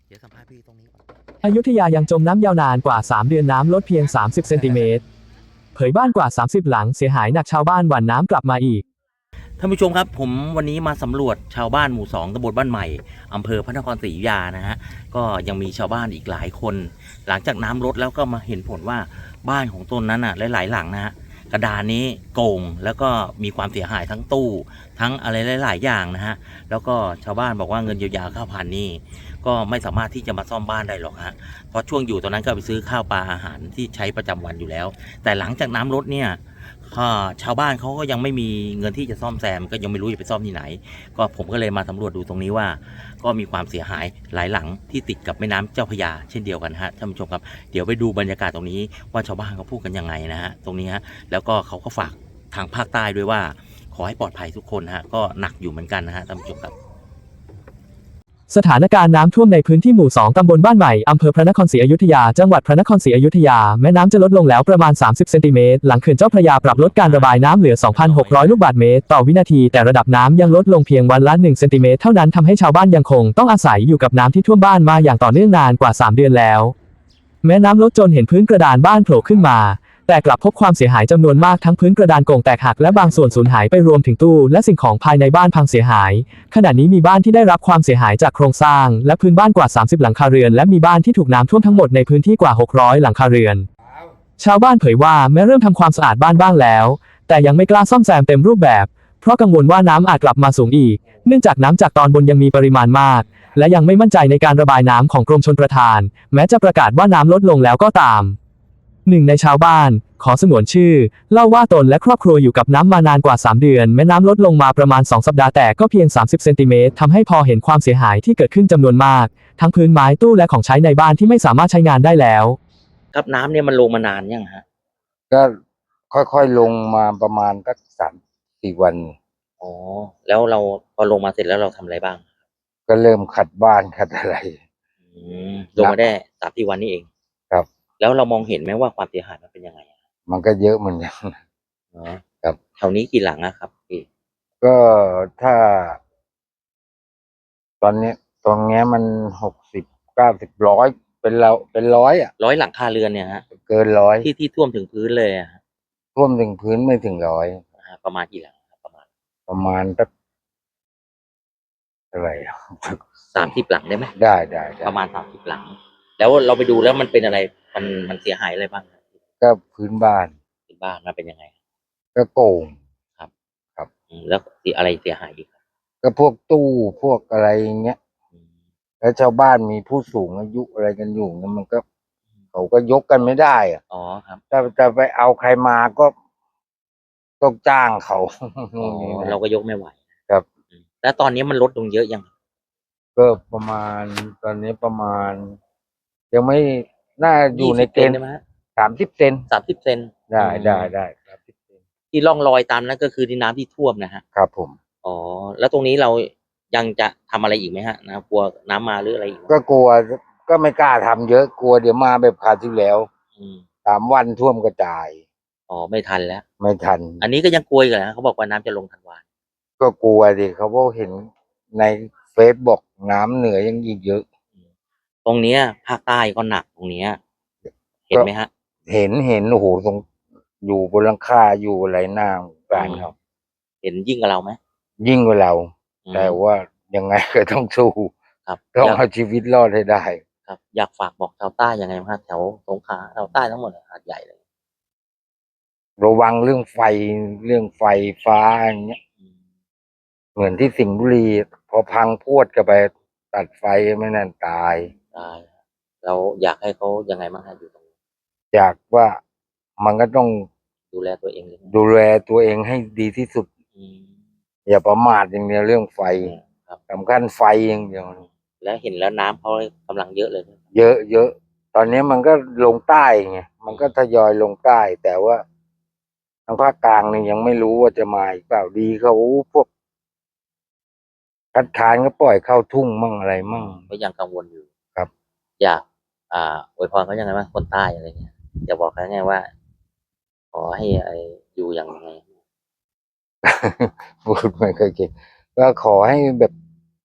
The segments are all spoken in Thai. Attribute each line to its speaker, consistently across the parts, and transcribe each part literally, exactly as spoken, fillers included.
Speaker 1: เดี๋ยวสัมภาษณ์พี่ตรงนี้ก่อน
Speaker 2: อยุธยายังจมน้ำยาวนานกว่าสามเดือนน้ำลดเพียงสามสิบเซนติเมตรเผยบ้านกว่าสามสิบหลังเสียหายหนักชาวบ้านหว่านน้ำกลับมาอีก
Speaker 1: ท่านผู้ชมครับผมวันนี้มาสำรวจชาวบ้านหมู่สองตำบลบ้านใหม่อำเภอพระนครศรีอยุธยานะฮะก็ยังมีชาวบ้านอีกหลายคน หลังจากน้ำลดแล้วก็มาเห็นผลว่าบ้านของตนนั้นอ่ะหลายๆหลังนะฮะกระดานนี้โก่งแล้วก็มีความเสียหายทั้งตู้ทั้งอะไรหลายๆอย่างนะฮะแล้วก็ชาวบ้านบอกว่าเงินเยียวยาข้าวพันนี่ก็ไม่สามารถที่จะมาซ่อมบ้านได้หรอกฮะเพราะช่วงอยู่ตอนนั้นก็ไปซื้อข้าวปลาอาหารที่ใช้ประจำวันอยู่แล้วแต่หลังจากน้ำลดเนี่ยชาวบ้านเขาก็ยังไม่มีเงินที่จะซ่อมแซมก็ยังไม่รู้จะไปซ่อมที่ไหนก็ผมก็เลยมาสำรวจดูตรงนี้ว่าก็มีความเสียหายหลายหลังที่ติดกับแม่น้ำเจ้าพระยาเช่นเดียวกันฮะท่านผู้ชมครับเดี๋ยวไปดูบรรยากาศตรงนี้ว่าชาวบ้านเขาพูดกันยังไงนะฮะตรงนี้ฮะแล้วก็เขาก็ฝากทางภาคใต้ด้วยว่าขอให้ปลอดภัยทุกคนฮะก็หนักอยู่เหมือนกันนะฮะท่านผู้ชมครับ
Speaker 2: สถานการณ์น้ำท่วมในพื้นที่หมู่สองตำบลบ้านใหม่อำเภอพระนครศรีอยุธยาจังหวัดพระนครศรีอยุธยาแม่น้ำจะลดลงแล้วประมาณสามสิบเซนติเมตรหลังเขื่อนเจ้าพระยาปรับลดการระบายน้ำเหลือ สองพันหกร้อย ลูกบาศก์เมตรต่อวินาทีแต่ระดับน้ำยังลดลงเพียงวันละหนึ่งเซนติเมตรเท่านั้นทำให้ชาวบ้านยังคงต้องอาศัยอยู่กับน้ำที่ท่วมบ้านมาอย่างต่อเนื่องนานกว่าสามเดือนแล้วแม้น้ำลดจนเห็นพื้นกระดานบ้านโผล่ขึ้นมาแต่กลับพบความเสียหายจำนวนมากทั้งพื้นกระดานโก่งแตกหักและบางส่วนสูญหายไปรวมถึงตู้และสิ่งของภายในบ้านพังเสียหายขณะนี้มีบ้านที่ได้รับความเสียหายจากโครงสร้างและพื้นบ้านกว่าสามสิบหลังคาเรือนและมีบ้านที่ถูกน้ำท่วมทั้งหมดในพื้นที่กว่าหกร้อยหลังคาเรือนชาวบ้านเผยว่าแม้เริ่มทำความสะอาดบ้านบ้างแล้วแต่ยังไม่กล้าซ่อมแซมเต็มรูปแบบเพราะกังวลว่าน้ำอาจกลับมาสูงอีกเนื่องจากน้ำจากตอนบนยังมีปริมาณมากและยังไม่มั่นใจในการระบายน้ำของกรมชลประทานแม้จะประกาศว่าน้ำลดลงแล้วก็ตามหนึ่งในชาวบ้านขอสงวนชื่อเล่าว่าตนและครอบครัวอยู่กับน้ำมานานกว่าสามเดือนแม้น้ำลดลงมาประมาณสองสัปดาห์แต่ก็เพียงสามสิบเซนติเมตรทำให้พอเห็นความเสียหายที่เกิดขึ้นจำนวนมากทั้งพื้นไม้ตู้และของใช้ในบ้านที่ไม่สามารถใช้งานได้แล้ว
Speaker 1: ครับน้ำเนี่ยมันลงมานานยังฮะ
Speaker 3: ก็ค่อยๆลงมาประมาณสักสามสี่วัน
Speaker 1: อ๋อแล้วเราพอลงมาเสร็จแล้วเราทำอะไรบ้าง
Speaker 3: ก็เริ่มขัดบ้านขัดอะไร
Speaker 1: อืมลงมาได้สามสี่วันนี้เอง
Speaker 3: ครับ
Speaker 1: แล้วเรามองเห็นไหมว่าความเสียหายมันเป็นยังไง
Speaker 3: มันก็เยอะเหมือนกัน
Speaker 1: เนาะ
Speaker 3: ครับ
Speaker 1: แถวนี้กี่หลังอะครับพี่
Speaker 3: ก็ถ้า ตอนนี้ตรงเนี้ยมันหกสิบเก้าสิบร้อยเป็นเราเป็นร้อยอ่ะ
Speaker 1: ร้อยหลังคาเรือนเนี่ยฮะ
Speaker 3: เกินร้อย
Speaker 1: ที่ที่ท่วมถึงพื้นเลยอะ
Speaker 3: ท่วมถึงพื้นไม่ถึงร้อย
Speaker 1: ประมาณกี่หลังประมาณ
Speaker 3: ประมาณสักอะไร
Speaker 1: สามสิบหลังได้ไหม
Speaker 3: ได้ได้
Speaker 1: ประมาณสามสิบหลังแล้วเราไปดูแล้วมันเป็นอะไรมันมันเสียหายอะไรบ้าง
Speaker 3: ก็พื้นบ้าน
Speaker 1: พื้นบ้านมันเป็นยังไง
Speaker 3: ก็โก่ง
Speaker 1: ครับ
Speaker 3: ครับ
Speaker 1: แล้วอะไรเสียหายอีก
Speaker 3: ก็พวกตู้พวกอะไรอย่างเงี้ยแล้วชาวบ้านมีผู้สูงอายุอะไรกันอยู่เนี่ยมันก็เขาก็ยกกันไม่ได้อ่ะ
Speaker 1: อ๋อครับ
Speaker 3: ถ้าจะไปเอาใครมาก็ต้องจ้างเขา
Speaker 1: อ๋อเราก็ยกไม่ไหว
Speaker 3: ครับ
Speaker 1: แล้วตอนนี้มันลดลงเยอะยัง
Speaker 3: ก็ประมาณตอนนี้ประมาณยังไม่น่าอยู่ในเกณฑ์สามสิบเซน
Speaker 1: สามสิบเซน
Speaker 3: ได้ได้ได้สามสิบเซน
Speaker 1: ที่ร่องรอยตามนั้นก็คือที่น้ำที่ท่วมนะฮะ
Speaker 3: ครับผม
Speaker 1: อ๋อแล้วตรงนี้เรายังจะทำอะไรอีกไหมฮะนะกลัวน้ำมาหรืออะไรอีก
Speaker 3: ก็กลัวก็ไม่กล้าทำเยอะกลัวเดี๋ยวมาแบบคราวที่แล้วสามวันท่วมกระจาย
Speaker 1: อ๋อไม่ทันแล้ว
Speaker 3: ไม่ทัน
Speaker 1: อันนี้ก็ยังกลัวอยู่นะเขาบอกว่าน้ำจะลงธันวา
Speaker 3: ก็กลัวดิเขาบอกเห็นในเฟซบอกน้ำเหนือยังอีกเยอะ
Speaker 1: ตรงเนี้ยภาคใต้ก็หนักตรงเนี้ยเห็นไหมฮะ
Speaker 3: เห็นเห็นโอ้โหตรงอยู่บนหลังคาอยู่อะไรหน้าบ้านเขา
Speaker 1: เห็นยิ่งกับเราไหม
Speaker 3: ยิ่งกว่าเราแต่ว่ายังไงก็ต้องสู้
Speaker 1: ครับ
Speaker 3: ต้องเอาชีวิตรอดให้ได้
Speaker 1: ครับอยากฝากบอกชาวใต้ยังไงบ้างแถวสงขลาชาวใต้ทั้งหมดหาดใหญ่เลย
Speaker 3: ระวังเรื่องไฟเรื่องไฟฟ้าอย่างเงี้ยเหมือนที่สิงห์บุรีพอพังพวดกันไปตัดไฟไม่นั่นตาย
Speaker 1: ตายเราอยากให้เขายังไงบ้างฮะอยู่ตรงนี้
Speaker 3: อยากว่ามันก็ต้อง
Speaker 1: ดูแลตัวเอง
Speaker 3: ดูแลตัวเองให้ดีที่สุดอย่าประมาทอย่างเดียวเรื่องไฟสำคัญไฟอย่างเดียว
Speaker 1: และเห็นแล้วน้ำเขากำลังเยอะเลย
Speaker 3: เยอะเยอะตอนนี้มันก็ลงใต้ไงมันก็ทยอยลงใต้แต่ว่าทางภาคกลางนี่ยังไม่รู้ว่าจะมาอีกเปล่าดีเขาพวกคัดค้านก็ปล่อยเข้าทุ่งมั่งอะไรมั่ง
Speaker 1: ก็ยังกังวลอยู่
Speaker 3: ครับ
Speaker 1: อยากอ่าอวยพรเขายังไงบ้างคนใต้อะไรเงี้ยจะบอกเขาไงว่าขอให้ไออยู่อย่างไง
Speaker 3: พูดไม่เคยเก่งก็ขอให้แบบ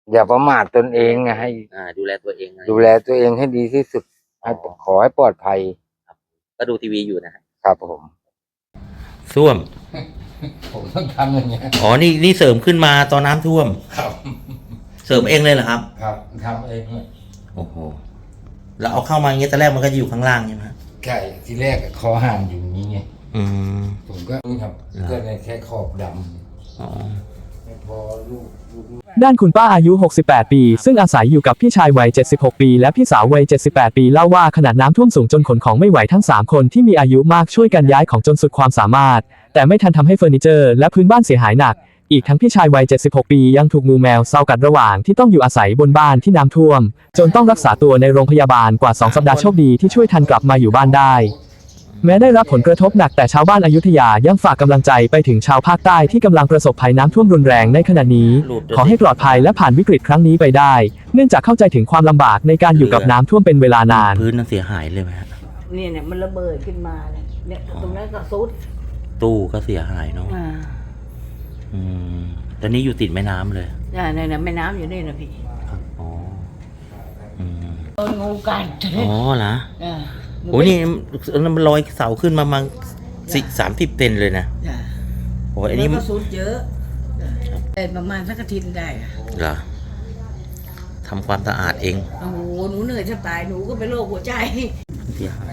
Speaker 3: อย่าประมาทตนเองไงให้
Speaker 1: อ่า ดูแลตัวเองนะ
Speaker 3: ดูแลตัวเองให้ดีที่สุดให้ขอให้ปลอดภัย
Speaker 1: ก็ดูทีวีอยู่นะฮะ
Speaker 3: ครับผม
Speaker 1: ส้วม
Speaker 3: ผมต้องทำอย่างเงี้ย
Speaker 1: อ๋อ นี่นี่เสริมขึ้นมาตอนน้ำท่วม
Speaker 3: ครับ
Speaker 1: เสริมเองเลยเหรอครับ
Speaker 3: ครับทำเองเนี่ย
Speaker 1: โอ้โห แล้วเอาเข้ามาอย่างเงี้ยแต่แรกมันก็จะอยู่ข้างล่างใช่ไหมฮะ
Speaker 3: ใช่ทีแรกคอห่างอยู่อย่างนี้ไง
Speaker 1: อืม
Speaker 3: ผมก็นี่ครับ
Speaker 1: เหรอ
Speaker 3: ก็เลยแค่ขอบด
Speaker 1: อ๋อ
Speaker 3: ำไม่พอลูกลูก
Speaker 2: ด้านคุณป้าอายุ หกสิบแปด ปี ซึ่งอาศัยอยู่กับพี่ชายวัย เจ็ดสิบหก ปี และพี่สาววัย เจ็ดสิบแปด ปีเล่าว่าขนาดน้ำท่วมสูงจนขนของไม่ไหวทั้ง สาม คนที่มีอายุมากช่วยกันย้ายของจนสุดความสามารถ แต่ไม่ทันทำให้เฟอร์นิเจอร์และพื้นบ้านเสียหายหนัก อีกทั้งพี่ชายวัย เจ็ดสิบหก ปียังถูกงูแมวเซากัดระหว่างที่ต้องอยู่อาศัยบนบ้านที่น้ำท่วม จนต้องรักษาตัวในโรงพยาบาลกว่า สอง สัปดาห์โชคดีที่ช่วยทันกลับมาอยู่บ้านได้ แม้ได้รับผลกระทบหนักแต่ชาวบ้านอยุธยายังฝากกำลังใจไปถึงชาวภาคใต้ที่กำลังประสบภัยน้ำท่วมรุนแรงในขณะนี้ ขอให้ปลอดภัยและผ่านวิกฤตครั้งนี้ไปได้ เนื่องจากเข้าใจถึงความลำบากในการอยู่กับน้ำท่วมเป็นเวลานาน
Speaker 1: พื้นนั้นเสียหายเลยไหมฮะ
Speaker 4: เนี่ยเนี่ยมันระเบิดขึ้นมาเนี่ยเนี่ยตรงนั้นก็ซุด
Speaker 1: ตู้ก็เสียหายเนาะ
Speaker 4: อ่า
Speaker 1: อืมตอนนี้อยู่ติดแม่น้ำเลย
Speaker 4: เนี่ยเนี่ยเนี่ยแม่น้ำอยู่นี่นะพี่
Speaker 1: ครับอ๋อ อืม
Speaker 4: โดนงูกัด
Speaker 1: อ๋อเหรอ
Speaker 4: อ่า
Speaker 1: โอ้ยนี่มันลอยเสาขึ้นมาประมาณสิสามสิบเซนเลยนะ
Speaker 4: จ้ะ
Speaker 1: โอ้ยอันนี้
Speaker 4: แล้วก็ซุดเยอะเป็นประมาณสักอาทิตย์ได้อะ
Speaker 1: เหรอทำความสะอาดเอง
Speaker 4: โอ้โหหนูเหนื่อยจะตายหนูก็เป็นโรคหัวใจ
Speaker 1: เสียหาย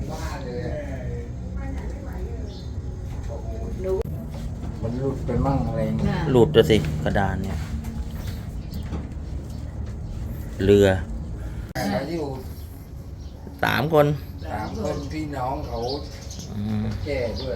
Speaker 4: หนู
Speaker 3: มันหลุดไปมั่งอะไรเงี้ย
Speaker 4: น่ะ
Speaker 1: หลุดตัวสิกระดานเนี่ย เรือ
Speaker 3: เขาอยู่
Speaker 1: สามคน
Speaker 3: สามคนพี่น้องเขา
Speaker 1: อืม
Speaker 3: แก่ด้วย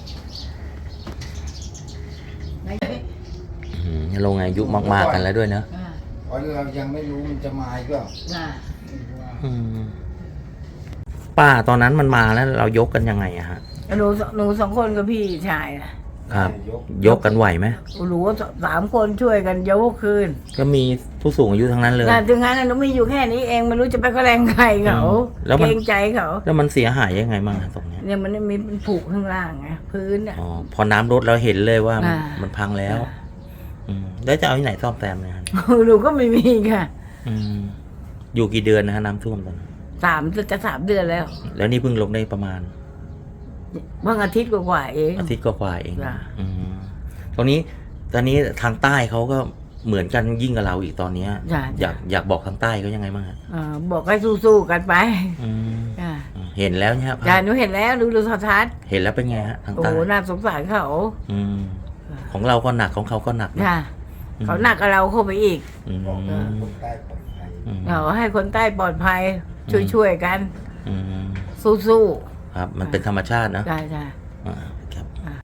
Speaker 4: ไม่
Speaker 1: อืมลงอายุมากๆกันแล้วด้วยเนอะ
Speaker 4: อ่า
Speaker 3: เพราะเรายังไม่รู้มันจะมาอีกเปล่า
Speaker 4: น่ะ
Speaker 1: อืมป้าตอนนั้นมันมาแล้วเรายกกันยังไงอะฮะ
Speaker 4: หนูหนูสองคนกับพี่ชายน่ะ
Speaker 1: ครับ
Speaker 3: ยก
Speaker 1: ยกกันไหวไหม
Speaker 4: หนูสามคนช่วยกันยกคืน
Speaker 1: ก็มีผู้สูงอายุทั้งนั้นเลย
Speaker 4: น่ะถึงงั้นน่ะหนูมีอยู่แค่นี้เองไม่รู้จะไปก็แรงใครเขา
Speaker 1: อืมแล้วมัน
Speaker 4: เกรงใจเขา
Speaker 1: แล้วมันเสียหายยังไงบ้างอะตรงเนี้ย
Speaker 4: เนี่ยมันมีมันผูกข้างล่างไงพื้นอ่ะ
Speaker 1: อ๋อพอน้ำลดเราเห็นเลยว่ามัน
Speaker 4: อ่ามั
Speaker 1: มันพังแล้ว อืมแล้วจะเอาที่ไหนซ่อมแซมเนี่ยฮะ
Speaker 4: หนูก็ไม่มีค่ะ
Speaker 1: อืมอยู่กี่เดือนนะฮะน้ำท่วมตอนนั้น
Speaker 4: สามจะสามเดือนแล้ว
Speaker 1: แล้วนี่เพิ่งลงได้ประมาณ
Speaker 4: เมื่ออาทิตย์กว่าๆเอง
Speaker 1: อาทิตย์กว่าๆเอง
Speaker 4: จ้ะ
Speaker 1: อืมตรงนี้ตอนนี้ทางใต้เขาก็เหมือนกันยิ่งกับเราอีกตอนเนี้ย
Speaker 4: จ้ะ
Speaker 1: อยากอยากบอกทางใต้เขายังไงบ้างฮะ
Speaker 4: อ่าบอกให้สู้ๆกันไป
Speaker 1: อืม
Speaker 4: จ้ะ
Speaker 1: เห็นแล้วเนี่ยครับ
Speaker 4: จ้ะหนูเห็นแล้วดูดูโทรทัศน์
Speaker 1: เห็นแล้วเป็นไงฮะทาง
Speaker 4: โอ้
Speaker 1: ใต้
Speaker 4: โหน่าสงสารเขา
Speaker 1: อืมของเราก็หนักของเขาก็หนักนะ
Speaker 4: จ้ะเขาหนักกับเราเข้าไปอีก
Speaker 1: อืม
Speaker 3: บอกว่าคนใต้ปลอดภัย
Speaker 1: อืม
Speaker 4: เราให้คนใต้ปลอดภัย ช่วยๆกัน
Speaker 1: อืม
Speaker 4: สู้
Speaker 1: ครับ มันเป็นธรรมชาตินะ
Speaker 4: ๆจ้ะจ้ะ
Speaker 1: อ่าครับ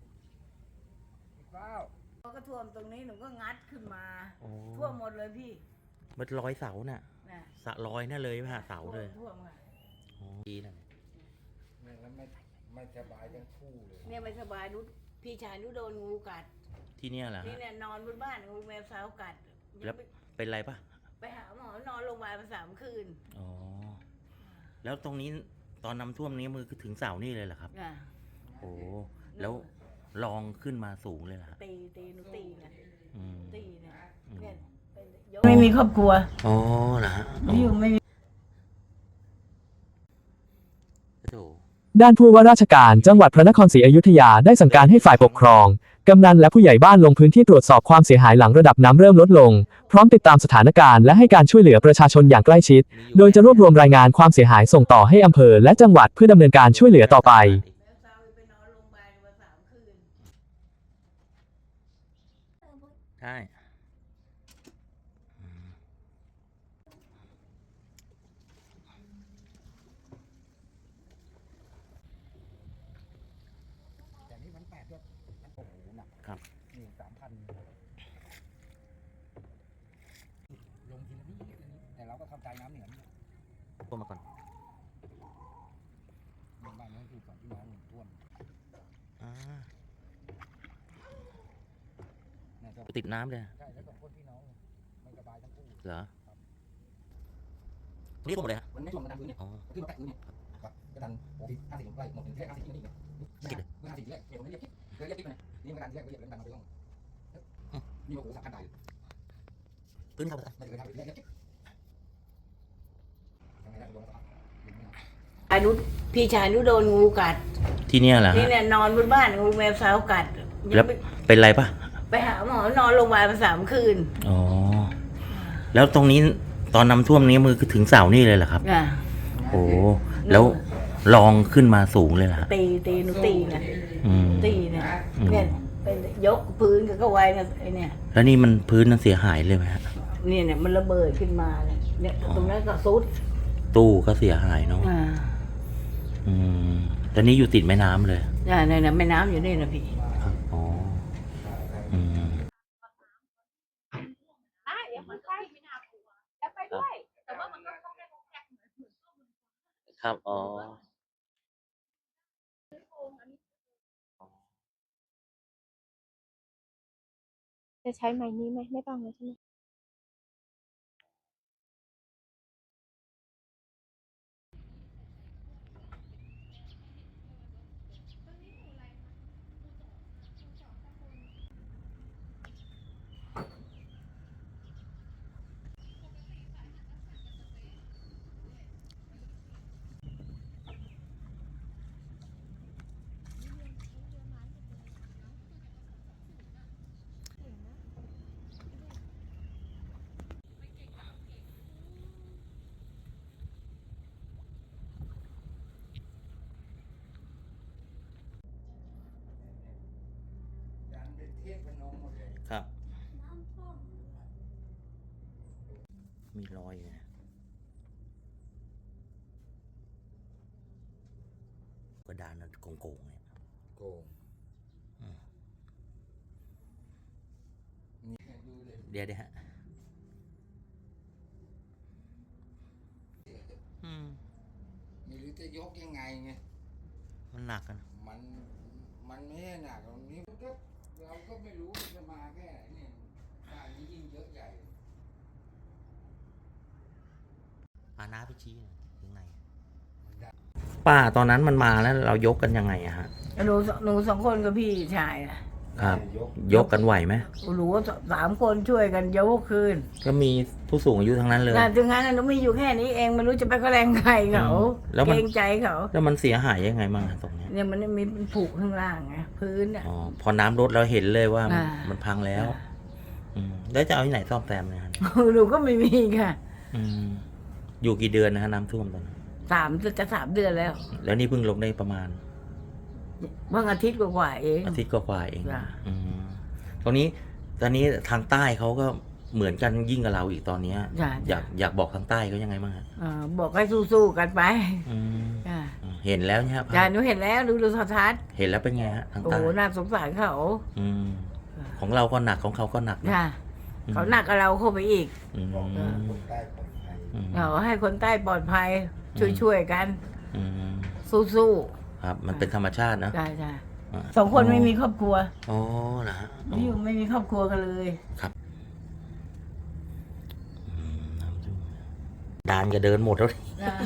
Speaker 4: ก็ท่วมตรงนี้หนูก็งัดขึ้นมา
Speaker 1: โอ้
Speaker 4: ท่วมหมดเลยพี่
Speaker 1: มันร้อยเสาน่ะ
Speaker 4: น่ะ
Speaker 1: สะร้อยน่ะเลยผ่าเสาเลย
Speaker 4: ท่วมค่ะ
Speaker 1: โอ้ดีนะ
Speaker 3: แล้วไม่ไม่สบายทั้งคู่เลย
Speaker 4: เนี่ยไม่สบายนุชพี่ชายนุชโดนงูกัด
Speaker 1: ที่เนี่ยเหรอ
Speaker 4: นี่
Speaker 1: ฮะ
Speaker 4: เนี่ยนอนบนบ้านงูแมวสาวกัด
Speaker 1: แล้ว เป็นไรปะ
Speaker 4: ไปหาหมอนอนโรงพยาบาลมาสามคืน
Speaker 1: อ๋อ แล้วตรงนี้ตอนน้ำท่วมนี้มือถึงเสานี่เลยเหรอครับ
Speaker 4: อ่ะ
Speaker 1: โอ้ แล้วลองขึ้นมาสูงเลยเหรอครับ
Speaker 4: ตีตีหนูตีนะ
Speaker 1: อืม
Speaker 4: ตีเนี่ย
Speaker 1: อืม
Speaker 4: เนี่ยเป็นยกไม่มีครอบครัว
Speaker 1: อ๋อเหรอฮะอ๋อ
Speaker 4: อยู่ไม่มี
Speaker 1: โถ
Speaker 2: ด้านผู้ว่าราชการจังหวัดพระนครศรีอยุธยาได้สั่งการให้ฝ่ายปกครองกำนันและผู้ใหญ่บ้านลงพื้นที่ตรวจสอบความเสียหายหลังระดับน้ำเริ่มลดลง พร้อมติดตามสถานการณ์และให้การช่วยเหลือประชาชนอย่างใกล้ชิด โดยจะรวบรวมรายงานความเสียหายส่งต่อให้อำเภอและจังหวัดเพื่อดำเนินการช่วยเหลือต่อไป
Speaker 4: แมวสาวไปนอนโรงพยาบาลมาสามคืน
Speaker 1: ใช่ครับ
Speaker 3: นี่สามพันลงทีละนิดแต่เราก็เข้าใจน้ำเหนือนี่
Speaker 1: ท่วมมาก่อน
Speaker 3: บ้านนี้คือสองพี่น้องท่วม
Speaker 1: อ่า
Speaker 3: เนี่ยก็
Speaker 1: ติดน้ำเลย
Speaker 3: ใช่แล้วสองคนพี่น้องไม่สบายทั้งคู่
Speaker 1: เหรอนี่ท่วมหมดเลยฮะ
Speaker 3: มันไม่ท่วมมันดันพื้นเนี่ย
Speaker 1: อ๋อ
Speaker 3: ขึ้นมาแตะพื้นเนี่ยครับก็ดันหกสิบห้าสิบไร่หมดถึงแค่ห้าสิบที่นี่เนี่ยเมื่อห้าสิบที่แรกเกี่ยวกับเรียกคิดเคยเรียกคิดไหมนี่มันดันที่แรกก็เรียกแล้วดันมาไปล่องนี่มาโอ้โหสามพันได้
Speaker 1: พื้นพื้นเข้าไป
Speaker 4: อานุพี่ชายนุโดนงูกัด
Speaker 1: ที่เนี่ยแหละ
Speaker 4: นี่
Speaker 1: ฮะ
Speaker 4: เนี่ยนอนบนบ้านงูแมวสาวกัด
Speaker 1: แล้วเป็นไรปะ
Speaker 4: ไปหาหมอนอนโรงพยาบาลมาสามคืน
Speaker 1: อ๋อแล้วตรงนี้ตอนน้ำท่วมนี้มือถึงเสานี่เลยเหรอครับ
Speaker 4: อ่ะ
Speaker 1: โอ้แล้วลองขึ้นมาสูงเลยเหรอฮะ
Speaker 4: ตีตีหนูตีนะ
Speaker 1: อืม
Speaker 4: ตีเนี่ย
Speaker 1: อืม
Speaker 4: เนี่ยเป็นยกพื้นกับก็ไว้นะไอเนี่ย
Speaker 1: แล้วนี่มันพื้นนั้นเสียหายเลยไหมฮะ
Speaker 4: เนี่ยเนี่ยมันระเบิดขึ้นมาเนี่ยเนี่ย
Speaker 1: อ๋อ
Speaker 4: ตรงนั้นก็ซุด
Speaker 1: ตู้ก็เสียหายเนาะ
Speaker 4: อ่า
Speaker 1: อืมตอนนี้อยู่ติดแม่น้ำเลย
Speaker 4: เนี่ยเนี่ยเนี่ยแม่น้ำอยู่นี่นะพี่
Speaker 1: ครับอ๋ออืม
Speaker 5: ได้เดี๋ยวมันไปไม่น่ากลัวจะไปด้วย แต่ว่ามันก็ต้องได้โอกาสเหมือนเหมือนช่วงมัน
Speaker 1: ครับอ๋อ
Speaker 5: จะใช้ไม้นี้ไหมไม่ต้องแล้วใช่ไหม
Speaker 1: ครับ มีรอยอยู่นะกระดานโกงๆเนี่ย
Speaker 3: โกง
Speaker 1: อืม
Speaker 3: นี่ดูเลย
Speaker 1: เดี๋ยวเดี๋ยวฮะอืม
Speaker 3: ไม่รู้จะยกยังไงไง
Speaker 1: มันหนักกัน
Speaker 3: มันมันไม่ใช่หนักตรงนี้มันก็เราก็ไม่รู้มันจะมาแค่ไหนเนี่ยบ้านนี้ยิ่งเยอะใหญ่
Speaker 1: อาน้าไปชี้หน่อยยังไง
Speaker 3: มันได้
Speaker 1: ป้าตอนนั้นมันมาแล้วเรายกกันยังไงอะฮะ
Speaker 4: หนูหนูสองคนกับพี่ชายน่ะ
Speaker 1: ครับ
Speaker 3: ยก
Speaker 1: ยกกันไหวไหม
Speaker 4: หนูสามคนช่วยกันยกคืน
Speaker 1: ก็มีผู้สูงอายุทั้งนั้นเลย
Speaker 4: แต่ถึงงั้นน่ะหนูมีอยู่แค่นี้เองไม่รู้จะไปก็แรงใครเขา
Speaker 1: อืมแล้วมัน
Speaker 4: เกรงใจเขา
Speaker 1: แล้วมันเสียหายยังไงบ้างอะตรงเนี้ย
Speaker 4: เนี่ยมันมีมันผูกข้างล่างไงพื้นอ่ะ
Speaker 1: อ๋อพอน้ำลดเราเห็นเลยว่ามัน
Speaker 4: อ่ามั
Speaker 1: มันพังแล้ว อืมแล้วจะเอาที่ไหนซ่อมแซมเนี่ยฮะ
Speaker 4: หนูก็ไม่มีค่ะ
Speaker 1: อืมอยู่กี่เดือนนะฮะน้ำท่วมตอนนั้น
Speaker 4: สามจะสามเดือนแล้ว
Speaker 1: แล้วนี่เพิ่งลงได้ประมาณ
Speaker 4: เมื่ออาทิตย์กว่าๆเอง
Speaker 1: อาทิตย์กว่าๆเอง
Speaker 4: จ้ะ
Speaker 1: อืมตรงนี้ตอนนี้ทางใต้เขาก็เหมือนกันยิ่งกับเราอีกตอนเนี้ย
Speaker 4: จ้ะ
Speaker 1: อยากอยากบอกทางใต้เขายังไงบ้างฮะ
Speaker 4: อ่าบอกให้สู้ๆกันไป
Speaker 1: อืม
Speaker 4: จ้ะ
Speaker 1: เห็นแล้วเนี่ยภา
Speaker 4: จ้ะ
Speaker 1: พ
Speaker 4: หนูเห็นแล้วดูดูโทรทัศน์
Speaker 1: เห็นแล้วเป็นไงฮะทาง
Speaker 4: โอ้
Speaker 1: ใต้
Speaker 4: โหน่าสงสารเขา
Speaker 1: อืมของเราก็หนักของเขาก็หนักนะ
Speaker 4: จ้ะเขาหนักกับเราเข้าไปอีก
Speaker 1: อืม
Speaker 3: บอกว่าคนใต้ปลอดภัย
Speaker 1: อืม
Speaker 4: เราให้คนใต้ปลอดภัย ช่วยๆกัน
Speaker 1: อืม
Speaker 4: สู้
Speaker 1: ครับ มันเป็นธรรมชาตินะ
Speaker 4: ๆจ้ะจ้ะ
Speaker 1: อ่า
Speaker 4: สองคนไม่มีครอบครัว
Speaker 1: อ๋อเหรอฮะอ๋อ
Speaker 4: ไม่อยู่ไม่มีครอบครัวกันเลย
Speaker 1: อืมน้ำท่วมดานก็เดินหมดแล้ว
Speaker 4: จ้ะ